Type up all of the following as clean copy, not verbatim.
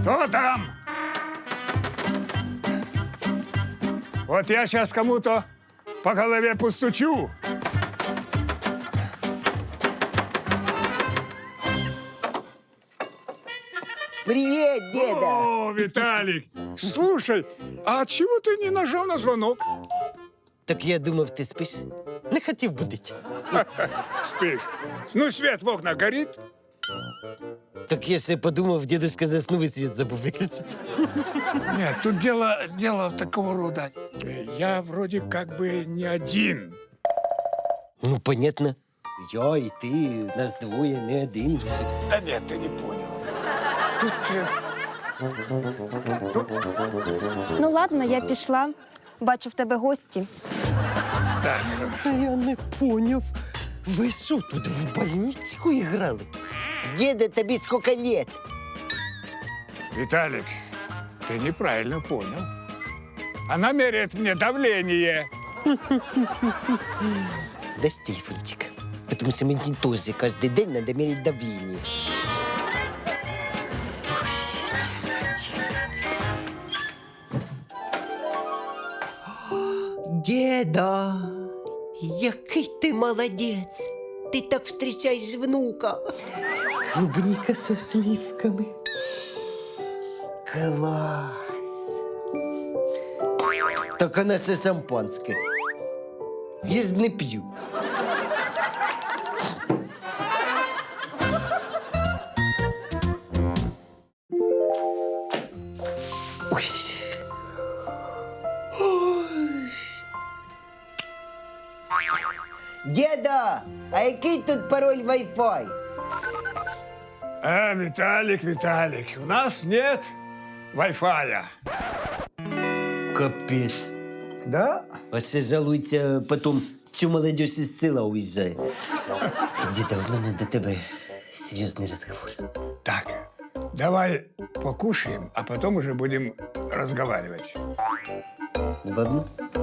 Кто там? Вот я сейчас кому-то по голове постучу. Привет, деда! О, Виталик! Слушай, а чего ты не нажал на звонок? Так я думав, ти спиш. Не хотів будити. Спишь. Ну, свет в окнах горит? Так я ще подумав, дедушка заснув і світ забув виключити. Нет, тут дело такого рода. Я вроде как бы не один. Ну, понятно. Я і ти, нас двоє, не один. Да нет, ты не понял. Тут... Ну ладно, я пішла. Бачу, в тебе гості. Так, А я не поняв. Ви що, тут в больницю грали? Деда, тобі скільки лет? Виталик, ты неправильно понял. Она меряет мне давление. Дай телефончик. Потому что мне тоже каждый день надо мерить давление. Ой, деда. Деда, який ти молодець. Ти так встречаєш внука. Клубника со сливками. Класс. Так она со шампанское. Я ж не п'ю. Ой. Ой. Деда, а який тут пароль Wi-Fi? Виталик, у нас нет Wi-Fi. Капец. Да? А ще жалується, потім цю молодь із села уїжджає. Деда, в мене до тебе серйозний розговор. Так, давай покушаем, а потом уже будем разговаривать. Ладно?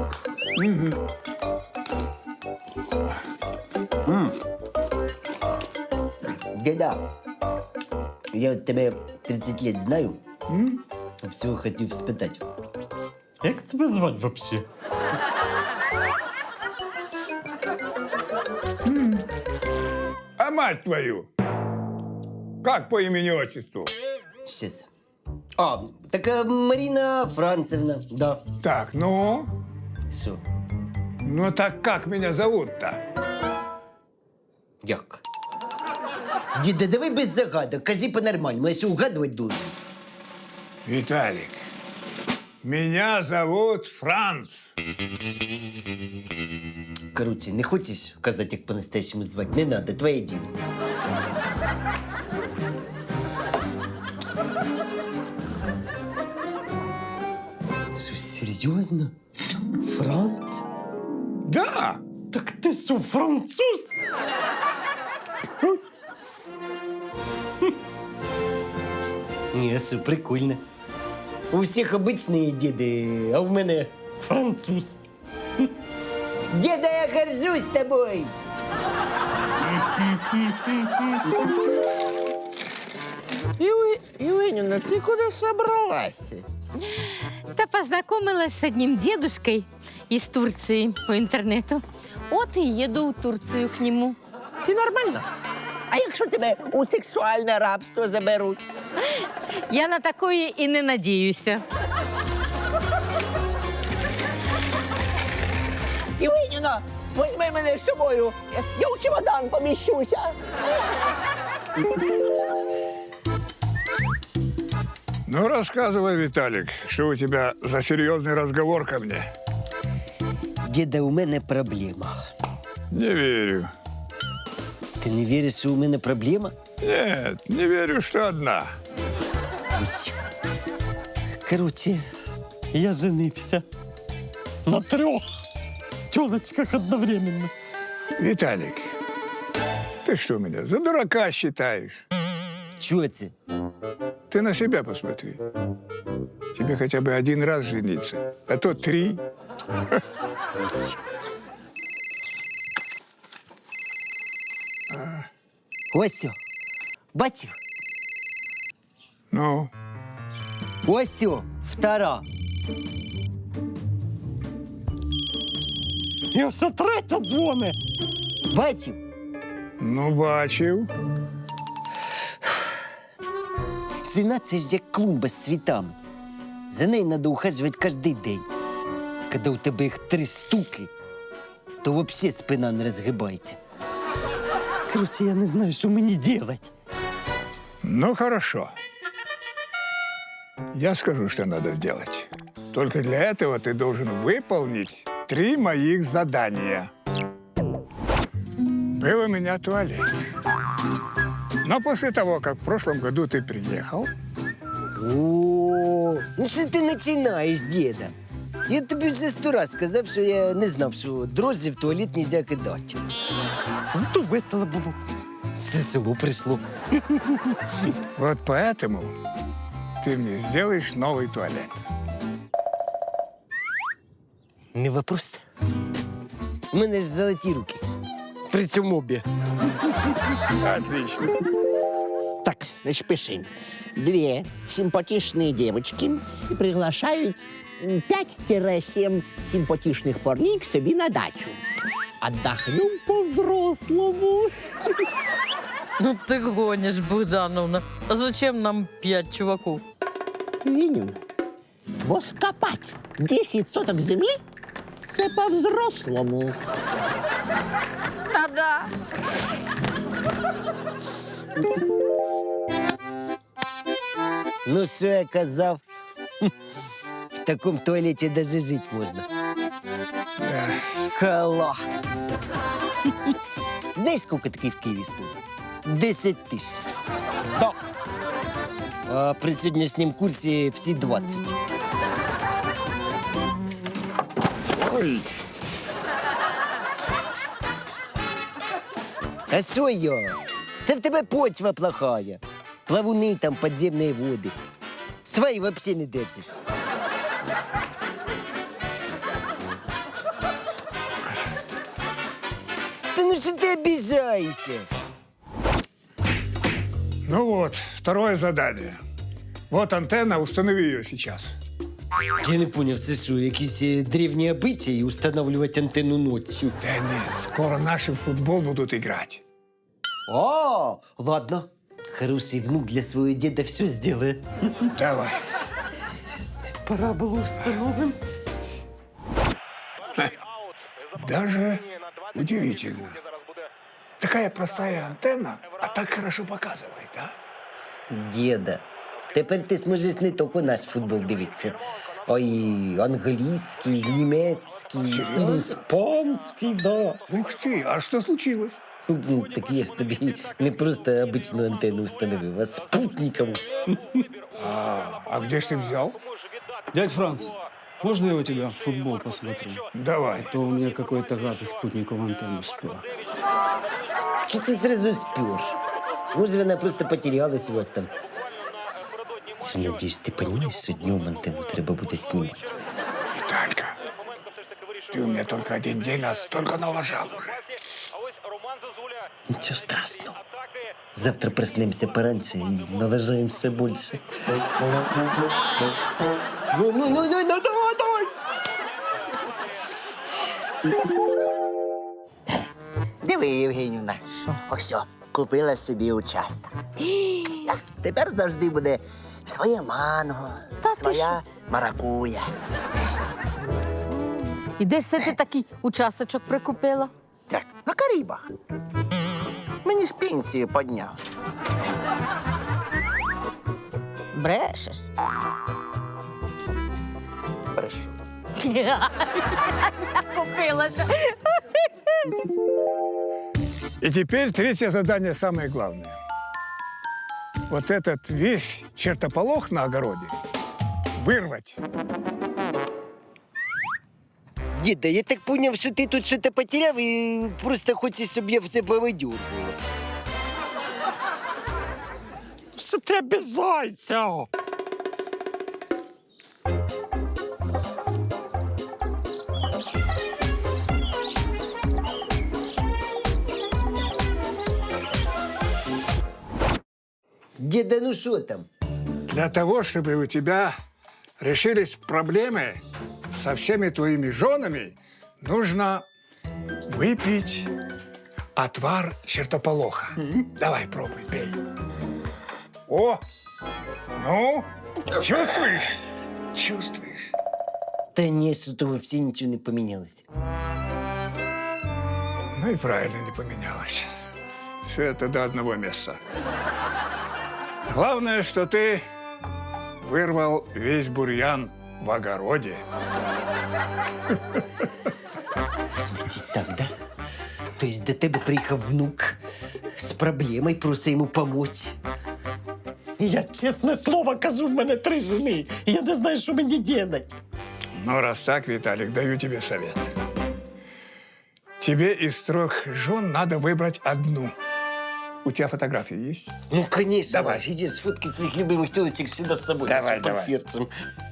Деда, я от тебе 30 лет знаю. Всього хотів спитати. Як тебе звати вообще? А мать твою! Как по имени-отчеству? Щас. А, так Марина Францевна, да. Так, ну? Що? Ну так как меня зовут-то? Як? Діда, давай без загадок, кажи по-нормальному, я ще угадувати должен. Виталик, меня зовут Франц. Короче, не хочеш казати, як по-настоящему звати? Не надо, твоє діло. Що, серйозно? Франц? Да! Так ти що, француз? Ні, все прикольно. У всіх обичні діди, а в мене француз. Деда, я горжусь тобой. Иванина, ты куда собралась? Та познакомилась с одним дедушкой из Турции по интернету. Вот и еду в Турцию к нему. Ти нормально? А якщо тебе у сексуальне рабство заберуть? Я на такое и не надеюся. Іванина, візьми мене з собою. Я у чемодан поміщуся. Ну, рассказывай, Виталик, что у тебя за серьезный разговор ко мне? Деда, у мене проблема. Не верю. Ти не віриш, що у мене проблема? Нет, не верю, что одна. Ось. Короче, я женився. На 3 тёлочках одновременно. Виталик, ты что меня за дурака считаешь? Чого це? Ты на себя посмотри. Тебе хотя бы 1 раз жениться, а то 3. Ось. Ось, бачив? Ну, Ось о, втора. І все третя дзвони. Бачив? Ну, бачив. Жена – це ж як клумба з цвітами. За нею треба ухажувати кожен день. Коли у тебе їх 3 штуки, то взагалі спина не розгибається. Короче, я не знаю, що мені робити. Ну, хорошо. Я скажу, что надо сделать. Только для этого ты должен выполнить 3 моих задания. Был у меня туалет. Но после того, как в прошлом году ты приехал, О, ну що ти починаєш, діда? Я тобі вже 100 раз сказав, що я не знав, що дрожжі в туалет нельзя кидати. Зато весело було. Все село прийшло. вот поэтому ты мне сделаешь новый туалет. Не вопрос. У мене ж золоті руки. Причому обі. Отлично. Так, значит, пиши. 2 симпатичные девочки приглашают 5-7 симпатичных парней к себе на дачу. Отдохнем по-взрослому. Ну ты гонишь, Богдановна. А зачем нам 5 чуваков? Виню, бо скопать 10 соток земли – це по-взрослому. Та-да. Ну, що я казав? В такому туалеті даже жити можна. Да. Клас! Знаєш, скільки такий в Києві стоїть? 10 тисяч. Да. А при сьогоднішньому курсі всі 20. Ой, А що я? Це в тебе почва плохая. Плавуни там, підземні води. Свої взагалі не держиш. Та ну що ти обіжаєшся? ну вот, второе задание. Вот антенна, установи ее сейчас. Я не поняв, це що, якісь древні обичаї встановлювати антенну ночью? Да нет, скоро наши в футбол будут играть. О, ладно. Хороший внук для своего деда все сделает. Давай. Пора было установим. Даже удивительно. Такая простая антенна, а так хорошо показывает, а? Деда, тепер ти зможеш не тільки наш футбол дивитися, а й англійський, німецький, Серйозно? іспанський, да. Ух ты, а что случилось? Ну, так я ж тобі не просто обичну антенну установив, а спутникову. А где ж ты взял? Дядь Франц, можно я у тебя футбол посмотрю? Давай. А то у меня какой-то гад из спутниковую антенну спер. Що ти зразу спер? Може, вона просто потерялась у вас там. Надіюсь, ти розумієш, що днем антенну треба буде знімати. Виталька, ты у меня только 1 день, а столько налажал уже. Нічого страшного. Завтра проснемся пораньше и налажаем все больше. Ну, давай! Диви, Євгенівна, ось, купила собі участок. Так, тепер завжди буде своє манго, своя маракуя. І де ж це ти такий участочок прикупила? Так, на Карибах. Мені ж пенсію підняв. Брешеш. Хорошо. Я купилася. И теперь 3 задание самое главное. Вот этот весь чертополох на огороде вырвать. Деда, я так понял, що ти тут щось потеряв і просто хочеш, щоб я все повидюргував. Що ти обіжаєшся? Деда, ну що там? Для того, чтобы у тебя решились проблемы со всеми твоими женами, нужно выпить отвар чертополоха. Давай, пробуй, пей. О, ну, чувствуешь? Чувствуешь? Та ні, що то взагалі нічого не помінялося. Ну и правильно не поменялось. Все это до одного места. Главное, что ты вырвал весь бурьян в огороде. Значить так, да? Тобто до тебе приїхав внук з проблемою, просить йому помочь. Я чесне слово кажу, в мене 3 жени. Я не знаю, що мені делать. Ну, раз так, Виталик, даю тебе совет. Тебе из 3 жен надо выбрать одну. У тебя фотографии есть? Ну, конечно. Давай. Иди сфоткать своих любимых телочек всегда с собой. Давай, под давай. сердцем.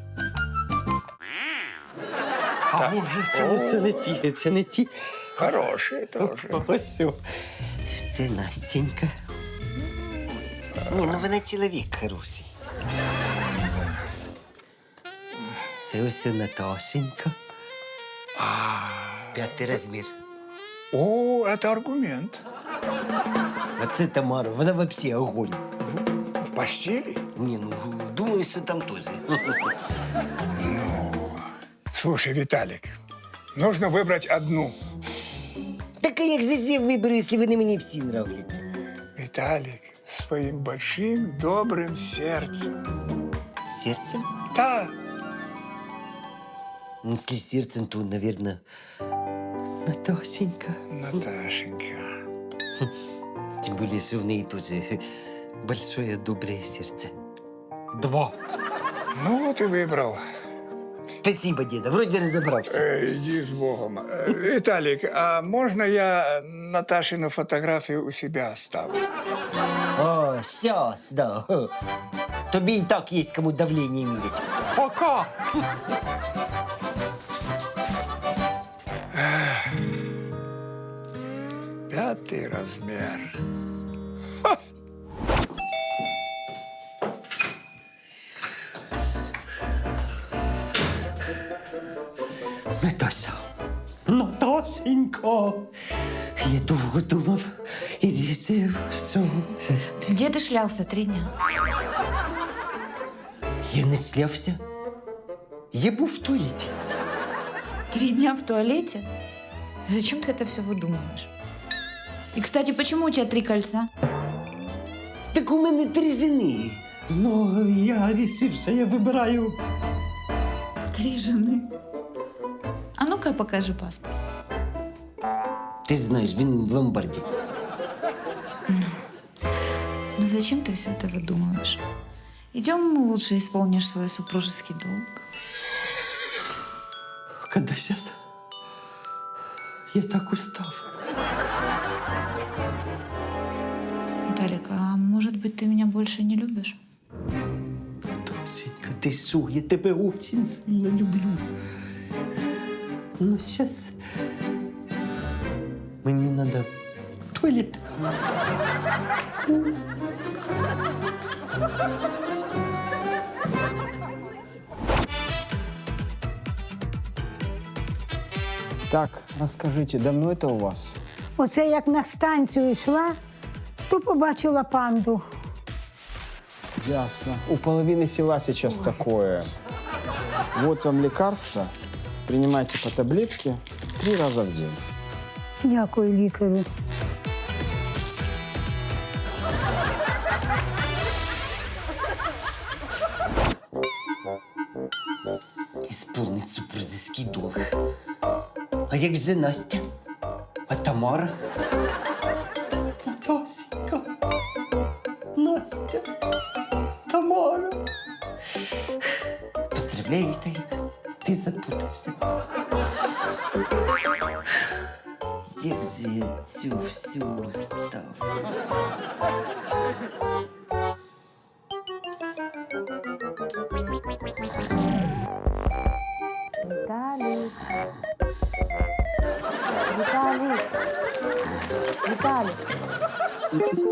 А може, це не ті. Хорошие тоже. Ось. Це Настенька. Ні, ну вона чоловік хороший. Це ось Наташенька. 5 розмір. О, это аргумент. А це Тамара, вона вообще огонь. В постели? Ні, ну, думаю, що там теж. Слушай, Виталик, нужно выбрать одну. Так а як же ж я виберу, якщо вони мені всі нравляться? Виталик, с своим большим добрым сердцем. Серцем? Да. Ну, если сердцем, то, наверное, Наташенька. Наташенька. Тем более, что в ней тоже большое доброе сердце. 2. Ну вот и выбрал. Спасибо, деда. Вроде разобрался. Иди с Богом. Виталик, а можно я Наташину фотографию у себя оставлю? О, сейчас, да. Тобі и так есть кому давление мерить. Пока! Пятый размер. Наташа. Наташенька. Я довго думав і вирішив, що... Где ты шлялся 3 дня? Я не слявся. Я був в туалеті. 3 дня в туалете? Зачем ты это все выдумываешь? И, кстати, почему у тебя 3 кольца? Так у мене 3 жени. Ну, я вирішив, що я вибираю. 3 жены? А ну-ка покажи паспорт. Ти ж знаєш, він в ломбарді. Ну зачем ты все это выдумываешь? Идем лучше исполнишь свой супружеский долг. Когда сейчас я так устав. Виталик, а может быть, ты меня больше не любишь? Тосенька, ти що? Я тебе очень сильно люблю. Ну, сейчас мені надо в туалет. Так, расскажите, давно это у вас? Оце як на станцію йшла, то побачила панду. Ясно. У половины села сейчас такое. Вот вам лекарство. Принимайте по таблетке 3 раза в день. Дякую лікарю. Исполнить супружеский долг. А як же Настя? А Тамара? Натасенька. Настя. Тамара. Поздравляю, Виталик. Ти запутався. Як же я цю всю став? Виталик. Виталик. Виталик.